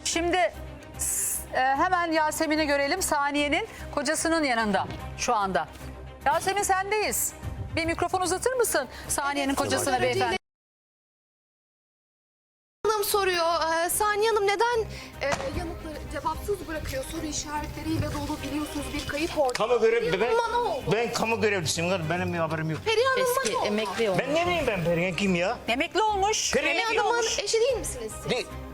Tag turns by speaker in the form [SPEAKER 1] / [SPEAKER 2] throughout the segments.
[SPEAKER 1] Şimdi hemen Yasemin'i görelim. Saniye'nin kocasının yanında şu anda. Yasemin sendeyiz. Bir mikrofon uzatır mısın Saniye'nin kocasına beyefendi?
[SPEAKER 2] Hanım soruyor. Saniye Hanım neden yanıtları cevapsız bırakıyor? Soru işaretleriyle dolu, biliyorsunuz bir kayıp ortada.
[SPEAKER 3] Kamu görev
[SPEAKER 2] Ne oldu?
[SPEAKER 3] ben kamu görevlisiyim. Benim bir haberim yok.
[SPEAKER 2] Perihan Hanım'a
[SPEAKER 4] Eski
[SPEAKER 2] ne oldu?
[SPEAKER 4] emekli oldu.
[SPEAKER 3] Ben ne bileyim ben Perihan kim ya?
[SPEAKER 1] Emekli olmuş.
[SPEAKER 3] Perihan
[SPEAKER 1] Emekli
[SPEAKER 2] Hanım'ın
[SPEAKER 1] olmuş.
[SPEAKER 2] eşi değil misiniz siz?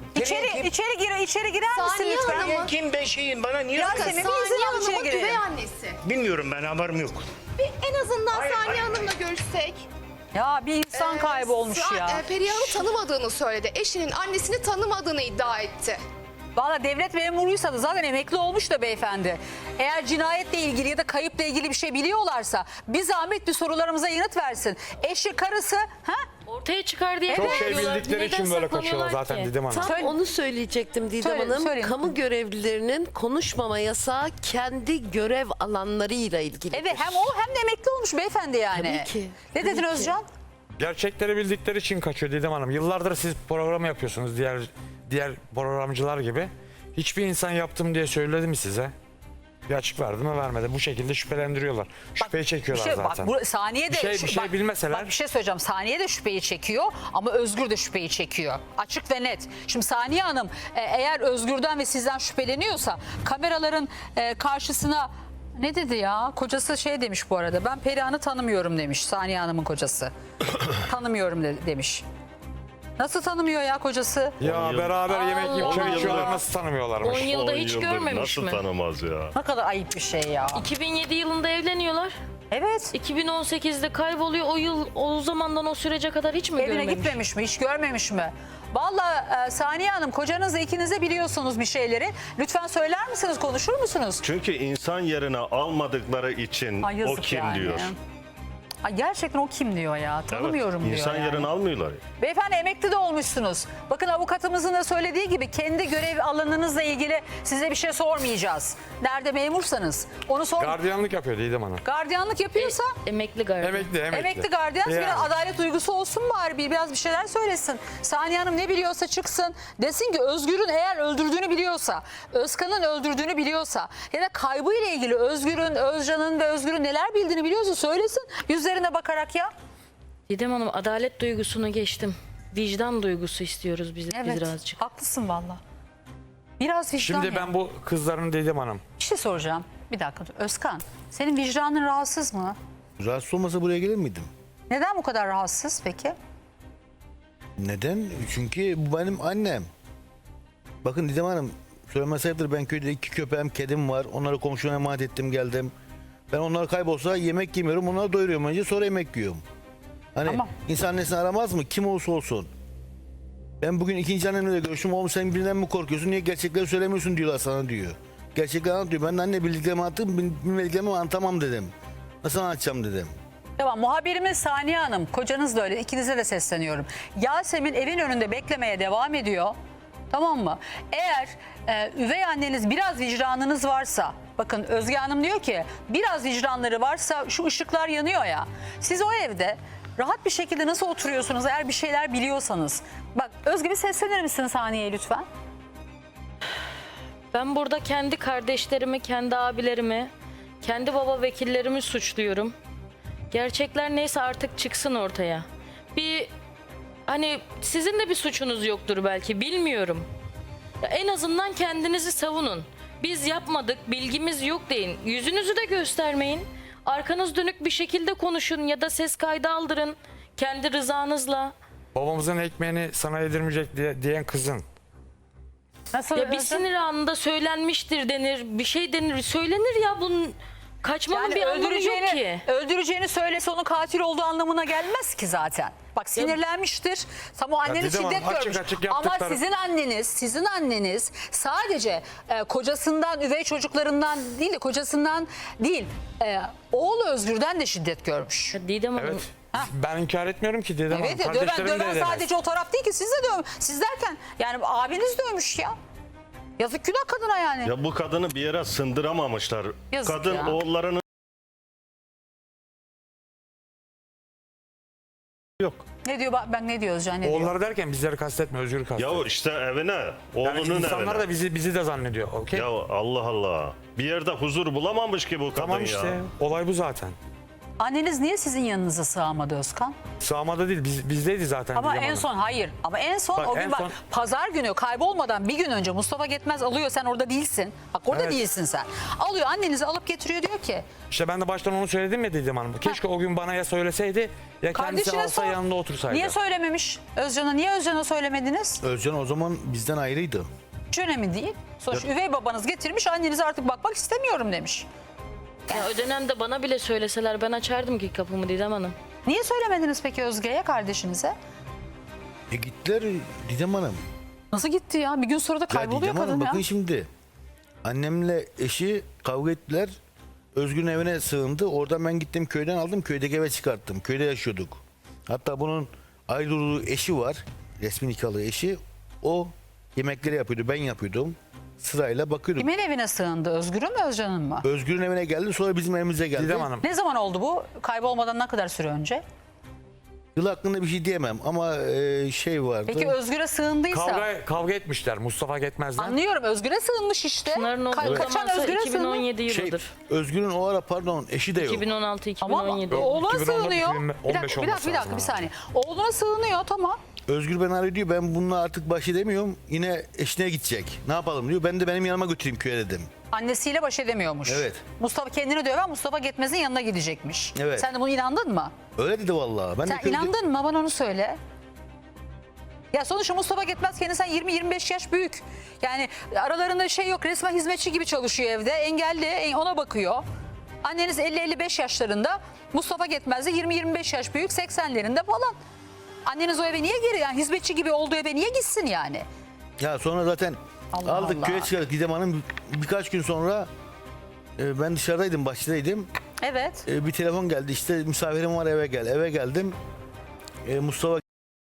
[SPEAKER 1] İçeri girer misin
[SPEAKER 2] Saniye
[SPEAKER 1] lütfen?
[SPEAKER 2] Hanım'ın-
[SPEAKER 3] Perihan kim ben şeyim bana niye?
[SPEAKER 1] Yasemin, bir izin
[SPEAKER 2] Saniye
[SPEAKER 1] al, içeri
[SPEAKER 2] Hanım'ın
[SPEAKER 1] girelim.
[SPEAKER 2] üvey annesi.
[SPEAKER 3] Bilmiyorum ben haberim yok.
[SPEAKER 2] Bir en azından
[SPEAKER 3] Hayır,
[SPEAKER 2] Saniye
[SPEAKER 3] hayır.
[SPEAKER 2] Hanım'la görüşsek.
[SPEAKER 1] Ya bir insan kaybolmuş ya.
[SPEAKER 2] Perihan'ı tanımadığını söyledi. Eşinin annesini tanımadığını iddia etti.
[SPEAKER 1] Valla devlet memuruysa da zaten emekli olmuş da beyefendi. Eğer cinayetle ilgili ya da kayıpla ilgili bir şey biliyorlarsa bir zahmet bir sorularımıza yanıt versin. Eşi, karısı, ha?
[SPEAKER 4] Ortaya çıkar diye
[SPEAKER 5] Çok şey
[SPEAKER 4] korkuyorlar.
[SPEAKER 5] bildikleri için
[SPEAKER 4] Neden
[SPEAKER 5] böyle
[SPEAKER 4] saklanıyorlar
[SPEAKER 5] kaçıyorlar zaten
[SPEAKER 4] ki?
[SPEAKER 5] Didem Hanım.
[SPEAKER 6] Tam
[SPEAKER 1] Söyle.
[SPEAKER 6] onu söyleyecektim Didem
[SPEAKER 1] Söyle,
[SPEAKER 6] Hanım.
[SPEAKER 1] söyleyin.
[SPEAKER 6] Kamu görevlilerinin konuşmama yasağı kendi görev alanlarıyla ilgili.
[SPEAKER 1] Evet, hem o hem de emekli olmuş beyefendi yani.
[SPEAKER 6] Tabii ki,
[SPEAKER 1] Ne
[SPEAKER 6] tabii
[SPEAKER 1] dedin
[SPEAKER 6] ki.
[SPEAKER 1] Özcan?
[SPEAKER 5] Gerçekleri bildikleri için kaçıyor Didem Hanım. Yıllardır siz program yapıyorsunuz diğer programcılar gibi. Hiçbir insan yaptım diye söyledi mi size? Bir açık verdi mi vermedi. Bu şekilde şüphelendiriyorlar. Şüpheyi çekiyorlar zaten.
[SPEAKER 1] Bak, Saniye de
[SPEAKER 5] Bir şey bilmeseler-
[SPEAKER 1] Bak bir şey söyleyeceğim. Saniye de şüpheyi çekiyor ama Özgür de şüpheyi çekiyor. Açık ve net. Şimdi Saniye Hanım eğer Özgür'den ve sizden şüpheleniyorsa kameraların karşısına ne dedi ya? Kocası şey demiş bu arada. Ben Perihan'ı tanımıyorum demiş Saniye Hanım'ın kocası. Tanımıyorum demiş. Nasıl tanımıyor ya kocası?
[SPEAKER 5] Ya beraber yemek yiyip çay
[SPEAKER 4] Allah.
[SPEAKER 5] içiyorlar, nasıl tanımıyorlarmış?
[SPEAKER 4] 10 yılda
[SPEAKER 7] 10
[SPEAKER 4] hiç
[SPEAKER 7] yıldır
[SPEAKER 4] görmemiş
[SPEAKER 7] nasıl
[SPEAKER 4] mi?
[SPEAKER 7] tanımaz ya?
[SPEAKER 1] Ne kadar ayıp bir şey ya.
[SPEAKER 4] 2007 yılında evleniyorlar.
[SPEAKER 1] Evet.
[SPEAKER 4] 2018'de kayboluyor. O zamandan o sürece kadar hiç mi
[SPEAKER 1] Evine
[SPEAKER 4] görmemiş?
[SPEAKER 1] gitmemiş mi? Hiç görmemiş mi? Vallahi Saniye Hanım, kocanızla ikiniz de biliyorsunuz bir şeyleri. Lütfen söyler misiniz? Konuşur musunuz?
[SPEAKER 7] Çünkü insan yerine almadıkları için
[SPEAKER 1] Ay
[SPEAKER 7] o
[SPEAKER 1] yazık
[SPEAKER 7] kim
[SPEAKER 1] yani.
[SPEAKER 7] diyor.
[SPEAKER 1] Ay gerçekten o kim diyor ya? Tanımıyorum
[SPEAKER 7] Evet,
[SPEAKER 1] diyor
[SPEAKER 7] İnsan
[SPEAKER 1] yani.
[SPEAKER 7] yerine almıyorlar.
[SPEAKER 1] Beyefendi emekli de olmuşsunuz. Bakın avukatımızın da söylediği gibi kendi görev alanınızla ilgili size bir şey sormayacağız. Nerede memursanız onu sor.
[SPEAKER 5] Gardiyanlık yapıyor Didem Hanım.
[SPEAKER 1] Gardiyanlık yapıyorsa
[SPEAKER 4] Emekli galiba.
[SPEAKER 1] emekli gardiyan
[SPEAKER 5] Yani.
[SPEAKER 1] biraz adalet duygusu olsun bari, biraz bir şeyler söylesin. Saniye Hanım ne biliyorsa çıksın desin ki Özgür'ün eğer öldürdüğünü biliyorsa, Özkan'ın öldürdüğünü biliyorsa ya da kaybıyla ilgili Özgür'ün, Özcan'ın ve Özgür'ün neler bildiğini biliyorsa söylesin yüzlerine bakarak ya.
[SPEAKER 4] Didem Hanım adalet duygusunu geçtim. Vicdan duygusu istiyoruz biz birazcık.
[SPEAKER 1] Haklısın valla. Biraz vicdan
[SPEAKER 5] Şimdi
[SPEAKER 1] ya.
[SPEAKER 5] ben bu kızların Didem Hanım.
[SPEAKER 1] Bir şey soracağım. Bir dakika dur. Özkan, senin vicdanın rahatsız mı?
[SPEAKER 8] Rahatsız olmasa buraya gelir miydim?
[SPEAKER 1] Neden bu kadar rahatsız peki?
[SPEAKER 8] Neden? Çünkü bu benim annem. Bakın Didem Hanım, söylemesi ayıptır, ben köyde 2 köpeğim, kedim var. Onları komşuma emanet ettim, geldim. Ben onlar kaybolsa yemek yemiyorum, onları doyuruyorum önce, sonra yemek yiyorum. Hani
[SPEAKER 1] Tamam.
[SPEAKER 8] insan annesini aramaz mı? Kim olursa olsun. Ben bugün ikinci annemle de görüştüm. Oğlum sen birinden mi korkuyorsun? Niye gerçekleri söylemiyorsun diyorlar sana diyor. Gerçekleri anlat diyor. Ben de anne bildiklerimi anlattım, bilmediklerimi anlatamam dedim. Nasıl anlatacağım dedim.
[SPEAKER 1] Tamam, muhabirimiz Saniye Hanım, kocanız da öyle, ikinize de sesleniyorum. Yasemin evin önünde beklemeye devam ediyor. Tamam mı? Eğer üvey anneniz biraz vicdanınız varsa, bakın Özge Hanım diyor ki biraz vicdanları varsa şu ışıklar yanıyor ya. Siz o evde rahat bir şekilde nasıl oturuyorsunuz eğer bir şeyler biliyorsanız? Bak Özge bir seslenir misin Saniye'ye lütfen?
[SPEAKER 4] Ben burada kendi kardeşlerimi, kendi abilerimi, kendi baba vekillerimi suçluyorum. Gerçekler neyse artık çıksın ortaya. Hani sizin de bir suçunuz yoktur belki, bilmiyorum. Ya en azından kendinizi savunun. Biz yapmadık, bilgimiz yok deyin. Yüzünüzü de göstermeyin. Arkanız dönük bir şekilde konuşun ya da ses kaydı aldırın kendi rızanızla.
[SPEAKER 5] Babamızın ekmeğini sana yedirmeyecek diyen kızın.
[SPEAKER 1] Nasıl
[SPEAKER 4] Ya bir
[SPEAKER 1] Özge?
[SPEAKER 4] sinir anında söylenmiştir denir, bir şey denir, söylenir ya, bunun kaçmanın bir anlamı yok ki.
[SPEAKER 1] öldüreceğini söylese onun katil olduğu anlamına gelmez ki zaten. Bak sinirlenmiştir. Tam o anneniz
[SPEAKER 5] Didem Hanım,
[SPEAKER 1] şiddet
[SPEAKER 5] açık
[SPEAKER 1] görmüş.
[SPEAKER 5] açık
[SPEAKER 1] Ama
[SPEAKER 5] yaptıkları-
[SPEAKER 1] sizin anneniz sadece kocasından, üvey çocuklarından değil de kocasından değil, oğlu Özgür'den de şiddet görmüş.
[SPEAKER 4] Ya Didem Hanım,
[SPEAKER 5] Evet. Ben inkar etmiyorum ki Didem Hanım.
[SPEAKER 1] Evet, döven,
[SPEAKER 5] Kardeşlerim de
[SPEAKER 1] döven
[SPEAKER 5] edemez.
[SPEAKER 1] sadece o taraf değil ki, siz de siz derken yani abiniz dövmüş ya. Yazık günah kadına yani.
[SPEAKER 7] Ya bu kadını bir yere sındıramamışlar.
[SPEAKER 1] Yazık
[SPEAKER 7] Kadın
[SPEAKER 1] ya.
[SPEAKER 7] oğullarını yok.
[SPEAKER 1] Ne diyor ben ne diyor Özcan, ne diyor?
[SPEAKER 5] Oğulları derken bizleri kastetme, Özgür'ü kastediyor.
[SPEAKER 7] Ya işte evine,
[SPEAKER 5] Yani
[SPEAKER 7] oğlunun
[SPEAKER 5] insanlar
[SPEAKER 7] evine.
[SPEAKER 5] da bizi de zannediyor. Okey?
[SPEAKER 7] Ya Allah Allah. Bir yerde huzur bulamamış ki bu kadın
[SPEAKER 5] Tamam
[SPEAKER 7] ya.
[SPEAKER 5] işte olay bu zaten.
[SPEAKER 1] Anneniz niye sizin yanınıza sığamadı Özkan?
[SPEAKER 5] Sağmada değil bizdeydi zaten.
[SPEAKER 1] Ama
[SPEAKER 5] Didem
[SPEAKER 1] en
[SPEAKER 5] Hanım.
[SPEAKER 1] son hayır. Ama en son
[SPEAKER 5] Bak,
[SPEAKER 1] o gün
[SPEAKER 5] en
[SPEAKER 1] bak
[SPEAKER 5] son-
[SPEAKER 1] pazar günü kaybolmadan bir gün önce Mustafa Getmez alıyor, sen orada değilsin. Bak orada
[SPEAKER 5] Evet.
[SPEAKER 1] değilsin sen. Alıyor annenizi alıp getiriyor, diyor ki
[SPEAKER 5] İşte ben de baştan onu söyledim ya Didem Hanım. Keşke o gün bana ya söyleseydi ya kendisi
[SPEAKER 1] kardeşine
[SPEAKER 5] alsa
[SPEAKER 1] sor.
[SPEAKER 5] yanında otursaydı.
[SPEAKER 1] Niye söylememiş Özcan'a? Niye Özcan'a söylemediniz?
[SPEAKER 8] Özcan o zaman bizden ayrıydı.
[SPEAKER 1] Hiç önemli değil. Sonuçta üvey babanız getirmiş, annenize artık bakmak istemiyorum demiş.
[SPEAKER 4] Ya o dönemde bana bile söyleseler ben açardım ki kapımı Didem Hanım.
[SPEAKER 1] Niye söylemediniz peki Özge'ye, kardeşinize?
[SPEAKER 8] Gittiler Didem Hanım.
[SPEAKER 1] Nasıl gitti ya? Bir gün sonra da
[SPEAKER 8] Ya
[SPEAKER 1] kayboluyor
[SPEAKER 8] Didem Hanım
[SPEAKER 1] kadın ya.
[SPEAKER 8] bakın şimdi. Annemle eşi kavga ettiler. Özgür'ün evine sığındı. Oradan ben gittim köyden aldım. Köydeki eve çıkarttım. Köyde yaşıyorduk. Hatta bunun ayrılığı eşi var. Resmi nikahlı eşi. O yemekleri yapıyordu. Ben yapıyordum. Sırayla bakıyordum.
[SPEAKER 1] Kimin evine sığındı? Özgür'ün mü Özcan'ın mı?
[SPEAKER 8] Özgür'ün evine geldi. Sonra bizim evimize geldi.
[SPEAKER 5] Didem Hanım.
[SPEAKER 1] Ne zaman oldu bu? Kaybolmadan ne kadar süre önce?
[SPEAKER 8] Yıl hakkında bir şey diyemem ama şey vardı.
[SPEAKER 1] Peki Özgür'e sığındıysa?
[SPEAKER 5] Kavga etmişler Mustafa Getmez'den.
[SPEAKER 1] Anlıyorum, Özgür'e sığınmış işte.
[SPEAKER 4] Pınar'ın olduğu
[SPEAKER 1] Kaçan
[SPEAKER 4] zamansa
[SPEAKER 1] Özgür'e sığınmış.
[SPEAKER 4] 2017
[SPEAKER 8] şey,
[SPEAKER 4] yılıdır.
[SPEAKER 8] Özgür'ün o ara pardon eşi de yok.
[SPEAKER 4] 2016-2017.
[SPEAKER 1] Ama oğluna
[SPEAKER 5] 2014,
[SPEAKER 1] sığınıyor.
[SPEAKER 5] 2015
[SPEAKER 1] Bir dakika,
[SPEAKER 5] olması
[SPEAKER 1] bir
[SPEAKER 5] lazım
[SPEAKER 1] saniye. Oğluna sığınıyor, tamam.
[SPEAKER 8] Özgür ben arıyor diyor ben bununla artık baş edemiyorum. Yine eşine gidecek. Ne yapalım diyor. Ben de benim yanıma götüreyim köye dedim.
[SPEAKER 1] Annesiyle baş edemiyormuş.
[SPEAKER 8] Evet.
[SPEAKER 1] Mustafa kendini döven Mustafa Getmez'in yanına gidecekmiş.
[SPEAKER 8] Evet.
[SPEAKER 1] Sen de buna inandın mı?
[SPEAKER 8] Öyle dedi vallahi. Ben
[SPEAKER 1] Sen
[SPEAKER 8] de köyde-
[SPEAKER 1] inandın mı? Bana onu söyle. Ya sonuçta Mustafa Getmez kendinden 20-25 yaş büyük. Yani aralarında şey yok, resmen hizmetçi gibi çalışıyor evde. Engelli, ona bakıyor. Anneniz 50-55 yaşlarında. Mustafa Getmez de 20-25 yaş büyük, 80'lerinde falan. Anneniz o eve niye geri, yani hizmetçi gibi olduğu eve niye gitsin yani?
[SPEAKER 8] Ya sonra zaten
[SPEAKER 1] Allah
[SPEAKER 8] aldık
[SPEAKER 1] Allah.
[SPEAKER 8] köye çıkardık Didem Hanım. Birkaç gün sonra ben dışarıdaydım, bahçedeydim.
[SPEAKER 1] Evet.
[SPEAKER 8] Bir telefon geldi işte misafirim var eve gel. Eve geldim. Mustafa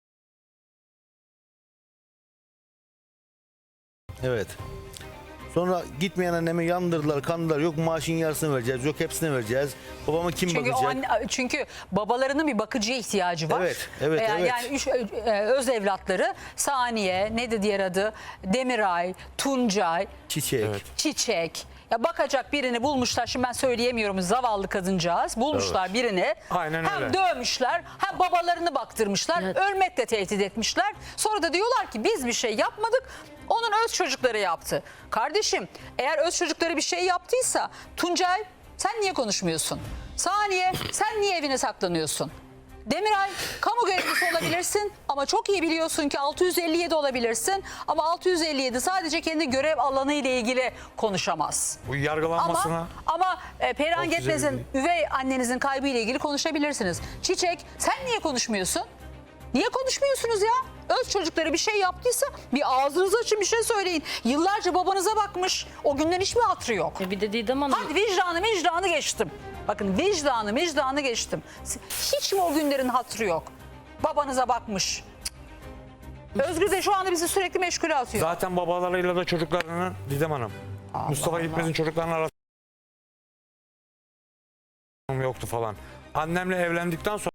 [SPEAKER 8] Evet. Sonra gitmeyen annemi yandırdılar, kandırdılar. Yok maaşın yarısını vereceğiz, yok hepsini vereceğiz. Babama kim
[SPEAKER 1] Çünkü
[SPEAKER 8] bakacak?
[SPEAKER 1] çünkü babalarının bir bakıcıya ihtiyacı var.
[SPEAKER 8] Evet, evet, evet.
[SPEAKER 1] Yani öz evlatları Saniye, neydi diğer adı? Demiray, Tuncay,
[SPEAKER 8] Çiçek.
[SPEAKER 5] Evet.
[SPEAKER 1] Çiçek. Ya bakacak birini bulmuşlar. Şimdi ben söyleyemiyorum, zavallı kadıncağız. Bulmuşlar birini.
[SPEAKER 5] Aynen
[SPEAKER 1] hem
[SPEAKER 5] öyle.
[SPEAKER 1] dövmüşler, hem babalarını baktırmışlar.
[SPEAKER 4] Evet.
[SPEAKER 1] Ölmekle tehdit etmişler. Sonra da diyorlar ki biz bir şey yapmadık. Onun öz çocukları yaptı. Kardeşim, eğer öz çocukları bir şey yaptıysa Tuncay sen niye konuşmuyorsun? Saniye sen niye evine saklanıyorsun? Demiray kamu görevlisi olabilirsin ama çok iyi biliyorsun ki 657 olabilirsin ama 657 sadece kendi görev alanı ile ilgili konuşamaz.
[SPEAKER 5] Bu yargılanmasına
[SPEAKER 1] Ama Perihan
[SPEAKER 5] 657
[SPEAKER 1] Getmez'in üvey annenizin kaybı ile ilgili konuşabilirsiniz. Çiçek sen niye konuşmuyorsun? Niye konuşmuyorsunuz ya? Öz çocukları bir şey yaptıysa bir ağzınızı açın, bir şey söyleyin. Yıllarca babanıza bakmış. O günden hiç mi hatırı yok?
[SPEAKER 4] Bir de Didem Hanım
[SPEAKER 1] Hadi vicdanı geçtim. Bakın vicdanı geçtim. Hiç mi o günlerin hatırı yok? Babanıza bakmış. Cık. Özgür de şu anda bizi sürekli meşgule atıyor.
[SPEAKER 5] zaten babalarıyla da çocuklarının Didem Hanım. Mustafa Gitmez'in çocuklarının arasında yoktu falan. Annemle evlendikten sonra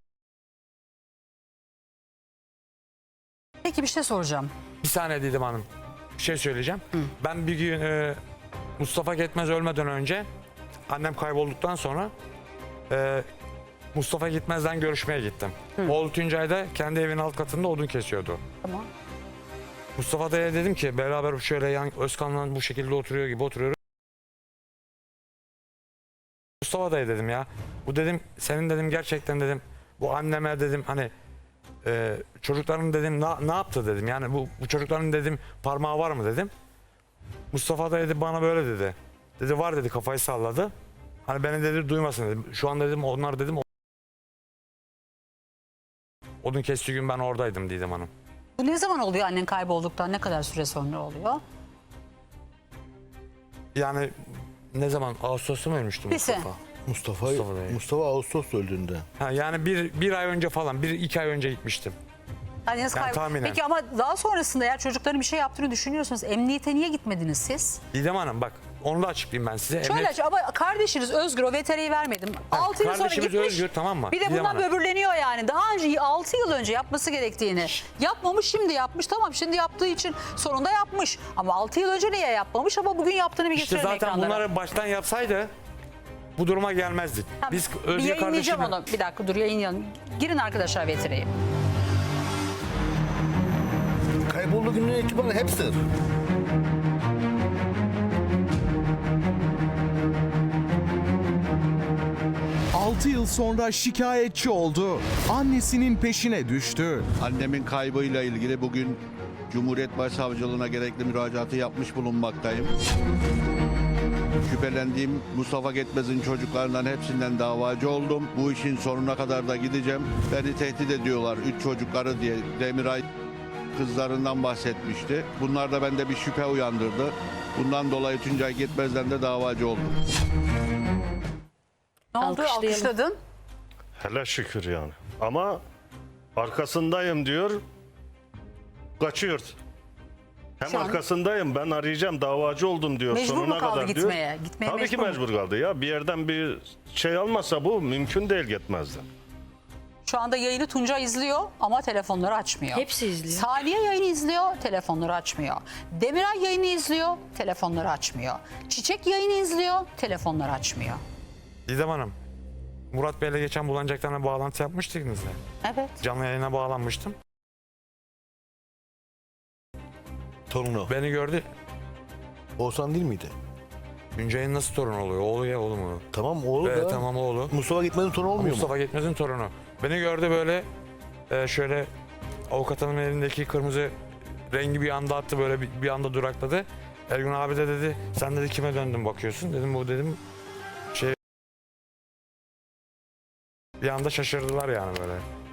[SPEAKER 1] Peki bir şey soracağım.
[SPEAKER 5] bir saniye Didem Hanım. Bir şey söyleyeceğim. Ben bir gün Mustafa Gitmez ölmeden önce annem kaybolduktan sonra Mustafa Gitmez'den görüşmeye gittim. Oğlu Tuncay da kendi evinin alt katında odun kesiyordu.
[SPEAKER 1] Tamam.
[SPEAKER 5] Mustafa Dayı'ya dedim ki beraber şöyle yan Özkan'la bu şekilde oturuyor gibi oturuyoruz. Mustafa Dayı dedim ya. Bu dedim senin dedim gerçekten dedim bu anneme dedim hani çocukların dedim ne yaptı dedim. Yani bu çocukların dedim parmağı var mı dedim. Mustafa Dayı dedi bana böyle dedi. Dedi var dedi kafayı salladı. Hani beni dedi duymasın dedim. Şu an dedim onlar dedim odun kestiği gün ben oradaydım Didem Hanım.
[SPEAKER 1] Bu ne zaman oluyor, annen kaybolduktan ne kadar süre sonra oluyor?
[SPEAKER 5] Yani ne zaman? Ağustos'ta mı ölmüştü
[SPEAKER 1] Bir sene.
[SPEAKER 5] Mustafa?
[SPEAKER 8] Mustafa
[SPEAKER 5] Dayı.
[SPEAKER 8] Mustafa Ağustos öldüğünde.
[SPEAKER 5] Ha, yani bir ay önce falan, 1-2 ay önce gitmiştim.
[SPEAKER 1] Anneniz
[SPEAKER 5] Yani tahminen.
[SPEAKER 1] Peki ama daha sonrasında eğer çocukların bir şey yaptığını düşünüyorsanız emniyete niye gitmediniz siz?
[SPEAKER 5] Didem Hanım bak Onu da açıklayayım ben size.
[SPEAKER 1] Şöyle aç ama kardeşiniz Özgür o VTR'yi vermedim. 6 yıl sonra
[SPEAKER 5] kardeşimiz
[SPEAKER 1] gitmiş.
[SPEAKER 5] Özgür, tamam mı?
[SPEAKER 1] Bir de
[SPEAKER 5] Didem
[SPEAKER 1] bundan
[SPEAKER 5] Hanım.
[SPEAKER 1] böbürleniyor yani. Daha önce 6 yıl önce yapması gerektiğini. Yapmamış, şimdi yapmış. Tamam, şimdi yaptığı için sonunda yapmış. Ama 6 yıl önce niye yapmamış ama bugün yaptığını bir
[SPEAKER 5] İşte
[SPEAKER 1] getirelim
[SPEAKER 5] zaten
[SPEAKER 1] ekranlara.
[SPEAKER 5] bunları baştan yapsaydı bu duruma gelmezdik.
[SPEAKER 1] Tamam,
[SPEAKER 5] Biz
[SPEAKER 1] bir
[SPEAKER 5] Özgür
[SPEAKER 1] yayınlayacağım
[SPEAKER 5] kardeşime...
[SPEAKER 1] onu. Bir dakika dur, yayınlayalım. Girin arkadaşlar VTR'yi.
[SPEAKER 8] Kaybolduğu günden itibaren hep sır.
[SPEAKER 9] Altı yıl sonra şikayetçi oldu. Annesinin peşine düştü.
[SPEAKER 10] Annemin kaybıyla ilgili bugün Cumhuriyet Başsavcılığına gerekli müracaatı yapmış bulunmaktayım. Şüphelendiğim Mustafa Getmez'in çocuklarından hepsinden davacı oldum. Bu işin sonuna kadar da gideceğim. Beni tehdit ediyorlar 3 çocukları diye. Demiray kızlarından bahsetmişti. Bunlar da bende bir şüphe uyandırdı. Bundan dolayı Tuncay Getmez'den de davacı oldum.
[SPEAKER 1] Ne oldu?
[SPEAKER 4] Alkışlayalım.
[SPEAKER 1] Alkışladın.
[SPEAKER 7] Hele şükür yani. Ama arkasındayım diyor. Kaçıyor. Hem
[SPEAKER 1] Şu an-
[SPEAKER 7] arkasındayım, ben arayacağım, davacı oldum diyor.
[SPEAKER 1] Mecbur mu
[SPEAKER 7] sonuna
[SPEAKER 1] kaldı
[SPEAKER 7] kadar
[SPEAKER 1] gitmeye?
[SPEAKER 7] diyor.
[SPEAKER 1] Gitmeye
[SPEAKER 7] Tabii ki
[SPEAKER 1] mecbur mu?
[SPEAKER 7] mecbur kaldı ya. Bir yerden bir şey almasa bu mümkün değil, gitmezdi.
[SPEAKER 1] Şu anda yayını Tunca izliyor ama telefonları açmıyor.
[SPEAKER 4] Hepsi izliyor.
[SPEAKER 1] Saniye yayını izliyor, telefonları açmıyor. Demiray yayını izliyor, telefonları açmıyor. Çiçek yayını izliyor, telefonları açmıyor.
[SPEAKER 5] Didem Hanım, Murat Bey'le geçen Bulanacaklar'la bağlantı yapmıştınız ya.
[SPEAKER 1] Evet.
[SPEAKER 5] Canlı yayına bağlanmıştım.
[SPEAKER 8] Torunu.
[SPEAKER 5] Beni gördü.
[SPEAKER 8] Oğuzhan değil miydi?
[SPEAKER 5] Güncay'ın nasıl torun oluyor? Oğlu ya, oğlu mu?
[SPEAKER 8] Tamam oğlu
[SPEAKER 5] Evet,
[SPEAKER 8] da.
[SPEAKER 5] tamam oğlu.
[SPEAKER 8] Mustafa Gitmez'in torunu olmuyor mu?
[SPEAKER 5] Mustafa Getmez'in torunu. Beni gördü böyle şöyle avukatının elindeki kırmızı rengi bir anda attı, böyle bir anda durakladı. Ergun abi de dedi, sen dedi kime döndün bakıyorsun? Dedim bu dedim şey, bir anda şaşırdılar yani böyle.